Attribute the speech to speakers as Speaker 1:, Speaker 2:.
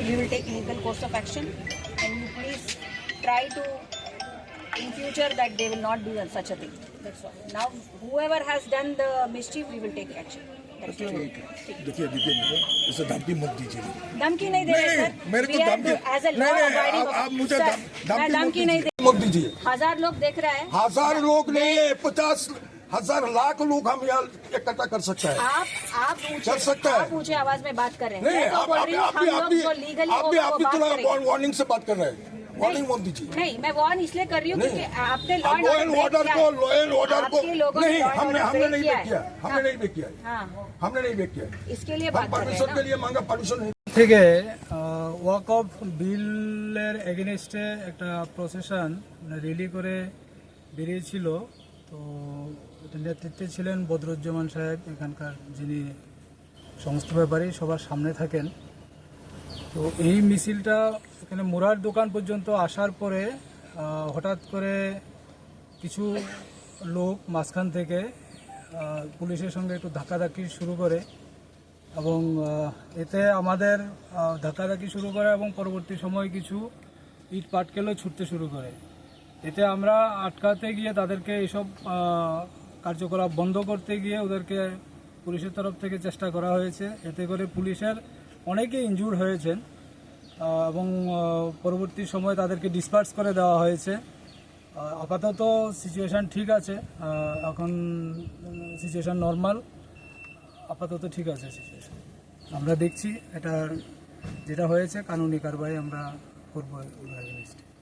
Speaker 1: we will take legal course of action, and you please try to in future that they will not do such a thing. That's all. Now whoever has done the mischief, we will take action. That's all.
Speaker 2: देखिए इसे धमकी मत दीजिए।
Speaker 1: धमकी नहीं दे रहे sir,
Speaker 2: मेरे को धमकी
Speaker 1: एज ए लॉ अबाइडिंग
Speaker 2: आप मुझे
Speaker 1: धमकी नहीं दे,
Speaker 2: मत दीजिए।
Speaker 1: 1000 लोग देख रहा है,
Speaker 2: 1000 लोग नहीं है, 50,000 लाख लोग हम यहाँ इकट्ठा कर सकते हैं।
Speaker 1: आप
Speaker 2: कर सकता है।
Speaker 1: आप ऊंचे आवाज में बात कर रहे हैं।
Speaker 2: नहीं,
Speaker 1: मैं तो बोल रही हूं, हम लोग जो लीगली
Speaker 2: आप भी थोड़ा वार्निंग से बात कर रहे हैं। वार्निंग मत दीजिए।
Speaker 1: नहीं, मैं वार्न इसलिए कर रही हूँ क्योंकि आपने लॉ एंड
Speaker 2: ऑर्डर को नहीं, हमने नहीं बेक किया, हमने नहीं बेक किया, हमने नहीं बेक किया।
Speaker 1: इसके लिए बात कर रहे हैं
Speaker 2: परमिशन के लिए मांगा, परमिशन नहीं
Speaker 3: থেকে ওয়াক অফ বিলের এগেনস্টে একটা প্রসেশন রিলি করে বেরিয়েছিল। তো এটার নেতৃত্বে ছিলেন বদরুজ্জামান সাহেব, এখানকার যিনি সমস্ত ব্যাপারী সবার সামনে থাকেন। তো এই মিছিলটা এখানে মুরার দোকান পর্যন্ত আসার পরে হঠাৎ করে কিছু লোক মাঝখান থেকে পুলিশের সঙ্গে একটু ধাক্কাধাক্কি শুরু করে এবং এতে আমাদের ধাক্কাধাক্কি শুরু করে এবং পরবর্তী সময় কিছু ইট পাটকেলও ছুটতে শুরু করে। এতে আমরা আটকাতে গিয়ে তাদেরকে এইসব কার্যকলাপ বন্ধ করতে গিয়ে ওদেরকে পুলিশের তরফ থেকে চেষ্টা করা হয়েছে। এতে করে পুলিশের অনেকে ইনজুর হয়েছেন এবং পরবর্তী সময় তাদেরকে ডিসপার্স করে দেওয়া হয়েছে। আপাতত সিচুয়েশান ঠিক আছে, এখন সিচুয়েশান নর্মাল, আপাতত ঠিক আছে সিচুয়েশান। আমরা দেখছি এটা যেটা হয়েছে কানুনি কারবাই আমরা করবো।